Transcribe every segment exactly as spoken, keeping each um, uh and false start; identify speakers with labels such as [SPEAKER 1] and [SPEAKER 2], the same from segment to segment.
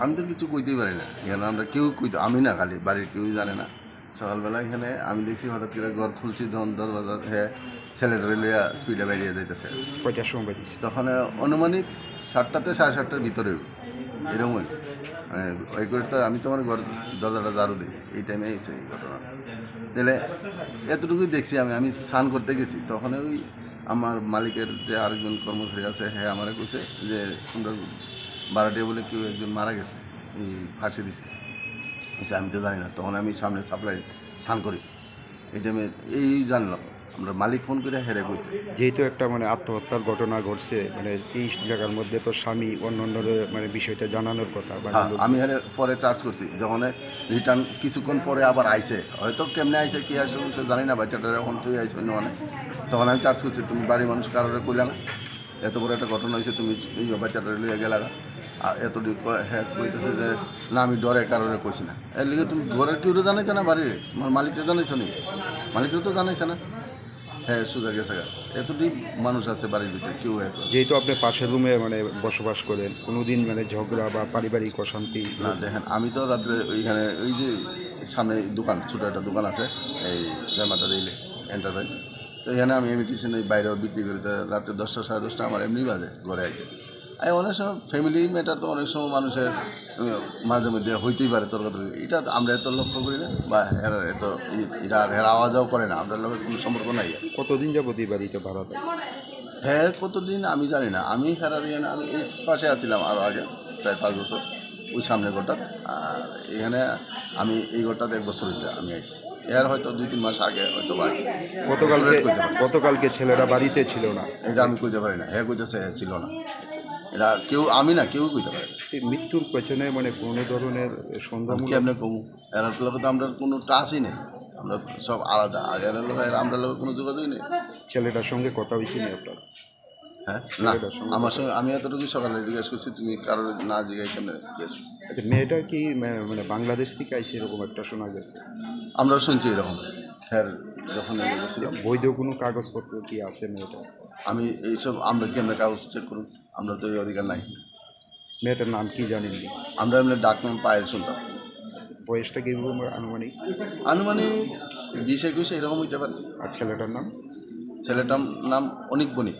[SPEAKER 1] আমি তো কিছু কইতেই পারি না, কেন আমরা কেউ কইতে, আমি না খালি বাড়ির কেউই জানে না। সকালবেলা এখানে আমি দেখছি হঠাৎ করে ঘর খুলছি, ধন দরজা হ্যাঁ ছেলেটা লইয়া স্পিডে বেরিয়ে যাইতেছে।
[SPEAKER 2] কয়টার সময় বেরিয়েছে?
[SPEAKER 1] তখন অনুমানিক সাতটাতে সাড়ে সাতটার ভিতরে এরকমই ওই করে। তো আমি তোমার ঘর দরজাটা ঝাড়ু দিই, এই টাইমে এসে এই ঘটনা। তাহলে এতটুকুই দেখছি আমি আমি স্নান করতে গেছি, তখন ওই আমার মালিকের যে আরেকজন কর্মচারী আছে, হ্যাঁ আমারে কইছে যে তোমরা ভাড়াটিয়া বলে কেউ একজন মারা গেছে, এই ফাঁসি দিছে। আমি তো জানি না, তখন আমি সামনে সাপ্লাই স্নান করি, এই টাইমে এই জানলাম আমরা মালিক ফোন করে হেরে কইছে।
[SPEAKER 2] যেহেতু একটা মানে আত্মহত্যার ঘটনা ঘটছে, মানে এই জায়গার মধ্যে তো স্বামী অন্য মানে বিষয়টা জানানোর কথা।
[SPEAKER 1] হ্যাঁ, আমি হেরে পরে চার্জ করছি, যখন রিটার্ন কিছুক্ষণ পরে আবার আইসে, হয়তো কেমনে আইসে কি আসে সে জানি না, বাচ্চাটার এখন তুই আইসে অন্য অনেক, তখন আমি চার্জ করছি তুমি বাড়ির মানুষ কারোরে কইলে না, এত বড় একটা ঘটনা হয়েছে, তুমি বাচ্চাটা লইয়া গেলা। আর এতটুকু হ্যাঁ কইতেছে যে না আমি ডরে কারোরে কইছি না। এর লিগে তুমি ঘরের কেউ জানাইছে না, বাড়ির মালিকটা জানাইছো নি? মালিকটা তো জানাইছে না। হ্যাঁ সোজা গেছে, এতটি মানুষ আছে বাড়ির ভিতরে, কেউ এক।
[SPEAKER 2] যেহেতু আপনি পাশের রুমে মানে বসবাস করেন, কোনোদিন মানে ঝগড়া বা পারিবারিক অশান্তি?
[SPEAKER 1] না দেখেন, আমি তো রাত্রে ওইখানে ওই যে সামনে দোকান, ছোটো একটা দোকান আছে এই জয়মাতা দিলে এন্টারপ্রাইজ, তো এখানে আমি ইমিটেশন ওই বাইরেও বিক্রি করি। তো রাত্রে দশটা সাড়ে দশটা আমার এমনি বাজে ঘরে আইতে। আর অনেক সময় ফ্যামিলি ম্যাটার তো অনেক সময় মানুষের মাঝে মধ্যে হইতেই পারে তর্কাতর্কি, এটা আমরা এত লক্ষ্য করি না, বা এরা এত এটা এরা আওয়াজও করে না, আমরা লোকের কোনো সম্পর্ক নাই।
[SPEAKER 2] কতদিন যাবত এই বাড়িতে ভাড়া থাকে?
[SPEAKER 1] হ্যাঁ কতদিন আমি জানি না, আমি হেরার ইয়ে আমি এই পাশে আছিলাম আরও আগে চার পাঁচ বছর, ওই সামনে ঘরটা। আর এখানে আমি এই ঘরটাতে এক বছর হয়েছে আমি আইছি, এর হয়তো দুই তিন মাস আগে হয়তো আইছি।
[SPEAKER 2] গতকালকে গতকালকে ছেলেরা বাড়িতে ছিল না,
[SPEAKER 1] এটা আমি কইতে পারি না, হ্যাঁ কইতেছে হ্যাঁ ছিল না, এটা কেউ আমি না কেউ কইতে পারে না।
[SPEAKER 2] এই মৃত্যুর পেছনে মানে কোনো ধরনের সন্দেহ
[SPEAKER 1] কি আপনি কমু, এরার লোক তো আমরা কোনো টাচই নেই, আমরা সব আলাদা, আর এরার লোক আমরা লোকের কোনো যোগাযোগই নেই।
[SPEAKER 2] ছেলেটার সঙ্গে কথা হয়েছে না আপনার?
[SPEAKER 1] হ্যাঁ না, আমার সঙ্গে আমি এতটুকু সকালে জিজ্ঞেস করছি, তুমি কারোর না জিজ্ঞাসা কেমন গেছো।
[SPEAKER 2] আচ্ছা, মেয়েটা কি মানে বাংলাদেশ থেকে আইসে এরকম একটা শোনা গেছে?
[SPEAKER 1] আমরাও শুনছি এরকম। হ্যাঁ যখন ছিলাম
[SPEAKER 2] বৈধ কোনো কাগজপত্র কি আছে মেয়েটা?
[SPEAKER 1] আমি এইসব আমরা কেমন কাগজ চেক করুন, আমরা তো এই অধিকার নাই।
[SPEAKER 2] মেয়েটার নাম কি জানেন?
[SPEAKER 1] আমরা এমনি ডাক নাম পায়ের শুনতাম।
[SPEAKER 2] বয়সটা কি আনুমানিক?
[SPEAKER 1] আনুমানিক বিশ একুশ এরকম হইতে পারে।
[SPEAKER 2] আর ছেলেটার নাম?
[SPEAKER 1] ছেলেটার নাম অনিক বণিক।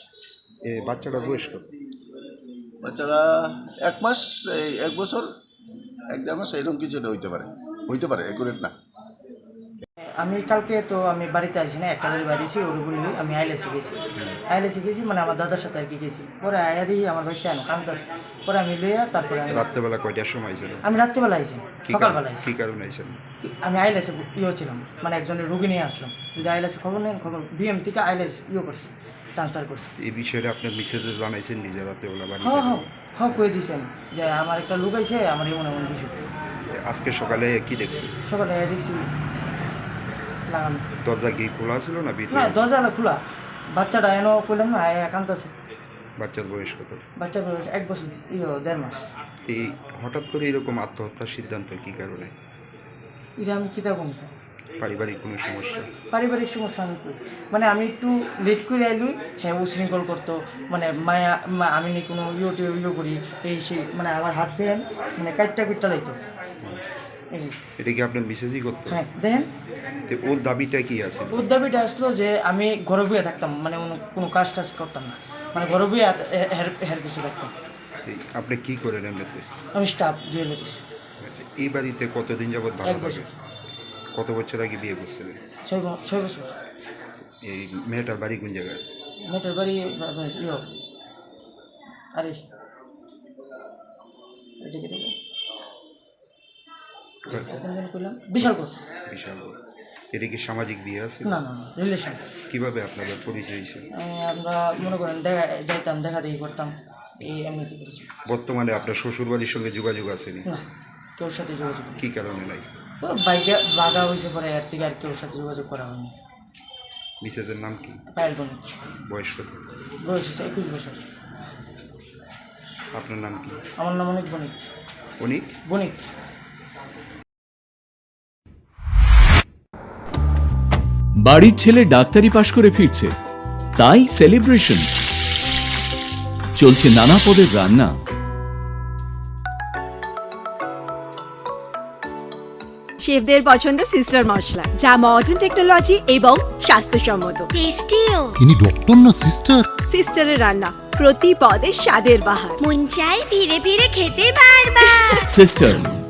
[SPEAKER 2] এ বাচ্চাটার বয়স কত?
[SPEAKER 1] বাচ্চারা এক মাস, এই এক বছর এক দেড় মাস এরকম কিছু এটা হইতে পারে, হইতে পারে একুরেট না।
[SPEAKER 3] আমি কালকে তো আমি বাড়িতে আসি না, একটা বাড়ি বাড়িছি ওরগুলি আমি আইলেসে গেছি, আইলেসে গেছি মানে আমার দাদার সাথে আর কি গেছি। পরে আয়া দিই আমার ভাই চায় না কামতাছে, পরে আমি লইয়া তারপরে আমি
[SPEAKER 2] রাত্রেবেলা কয়টার সময় আইছিল?
[SPEAKER 3] আমি রাত্রিবেলা আইছি, সকালবেলা আইছি।
[SPEAKER 2] কী কারণে আইছেন?
[SPEAKER 3] আমি আইলেসে ইয়ে ছিলাম, মানে একজনের রুগী নিয়ে আসলাম, যদি আইলেসে খবর নেন খবর বিএম থেকে আইলেস ইয়ে করছি, ট্রান্সফার করছি।
[SPEAKER 2] এই বিষয়টা আপনার মিসেজে জানাইছেন নিজে রাত্রেবেলা বাড়ি?
[SPEAKER 3] হ্যাঁ হ্যাঁ হ্যাঁ কয়ে দিয়েছি আমি যে আমার একটা লোক আইছে, আমার এমন এমন বিষয়।
[SPEAKER 2] আজকে সকালে কি দেখছি?
[SPEAKER 3] সকালে আয়া দেখছি লাগানো,
[SPEAKER 2] দরজা কি খোলা ছিল না
[SPEAKER 3] না
[SPEAKER 2] ভিতরে?
[SPEAKER 3] দরজা খোলা, বাচ্চাটা এনে করলাম না আয়া কান্তাছে।
[SPEAKER 2] বাচ্চার বয়স কত?
[SPEAKER 3] বাচ্চার বয়স এক বছর ইয়ে দেড় মাস।
[SPEAKER 2] এই হঠাৎ করে এরকম আত্মহত্যার সিদ্ধান্ত কি কারণে?
[SPEAKER 3] এটা আমি কী থাকুন,
[SPEAKER 2] পারিবারিক কোনো সমস্যা?
[SPEAKER 3] পারিবারিক সমস্যা আমি কই। মানে আমি একটু লেট করে আইলুই হ্যাঁ উশৃঙ্খল করতো, মানে মায়া মা- আমি নি কোনো ইয়ে ইয়ে করি এই সেই, মানে আমার হাত দেন মানে কাটটা পিটটা লাইতো। এই
[SPEAKER 2] এটা কি আপনার মিসেজই করতো?
[SPEAKER 3] হ্যাঁ দেখেন,
[SPEAKER 2] তো ওর দাবিটা কি আছে?
[SPEAKER 3] ওর দাবিটা আসলো যে আমি ঘরে বইয়ে থাকতাম, মানে কোনো কোনো কাজ টাজ করতাম না, মানে ঘরে বইয়ে হের হের পিছিয়ে থাকতাম।
[SPEAKER 2] এই আপনি কি করেন এমনিতে?
[SPEAKER 3] আমি স্টাফ জুয়েলারি।
[SPEAKER 2] আচ্ছা, এই বাড়িতে কতদিন যাবত ভাড়া
[SPEAKER 3] এক বছর।
[SPEAKER 2] থাকে? কত বছর আগে বিয়ে করছিলেন?
[SPEAKER 3] ছয় ব- ছয় বছর।
[SPEAKER 2] এই মেয়েটার বাড়ি কোন জায়গায়?
[SPEAKER 3] মেয়েটার বাড়ি ইয়ে আরে এটাকে দেবো করলাম বিশালপুর।
[SPEAKER 2] বিশাল। এটা কি সামাজিক বিয়ে আছে?
[SPEAKER 3] না না না রিলেশন।
[SPEAKER 2] কিভাবে আপনাদের পরিচয় হয়েছে?
[SPEAKER 3] আমরা মনে করেন দেখা যাইতাম, দেখা দেখি করতাম, এই এমনিতে করেছি।
[SPEAKER 2] বর্তমানে আপনার শ্বশুর বাড়ির সঙ্গে যোগাযোগ আসেনি?
[SPEAKER 3] না কেউর সাথে যোগাযোগ নেই।
[SPEAKER 2] কি কারণে নাই?
[SPEAKER 3] ও বাইকে বাগা হয়েছে পরে এর থেকে আর কেউর সাথে যোগাযোগ করা হয়নি।
[SPEAKER 2] মিসেসের নাম কি?
[SPEAKER 3] পায়েল বণিক,
[SPEAKER 2] বয়স কত?
[SPEAKER 3] বয়স হচ্ছে একুশ বছর।
[SPEAKER 2] আপনার নাম কি?
[SPEAKER 3] আমার নাম অনেক বণিক।
[SPEAKER 2] অনিক
[SPEAKER 3] বণিক।
[SPEAKER 4] বাড়ির ছেলে ডাক্তারি পাশ করে ফিরছে, তাই সেলিব্রেশন চলছে নানা পদের রান্না।
[SPEAKER 5] শেফদের পছন্দ সিস্টার মশলা, যা মডার্ন টেকনোলজি এবং স্বাস্থ্যসম্মত।
[SPEAKER 6] টেস্টিও।
[SPEAKER 7] ইনি ডক্টর না সিস্টার?
[SPEAKER 5] সিস্টারের রান্না প্রতি পদে স্বাদের বাহার।
[SPEAKER 6] মন চাই ফিরে ফিরে খেতে বারবার।
[SPEAKER 4] সিস্টার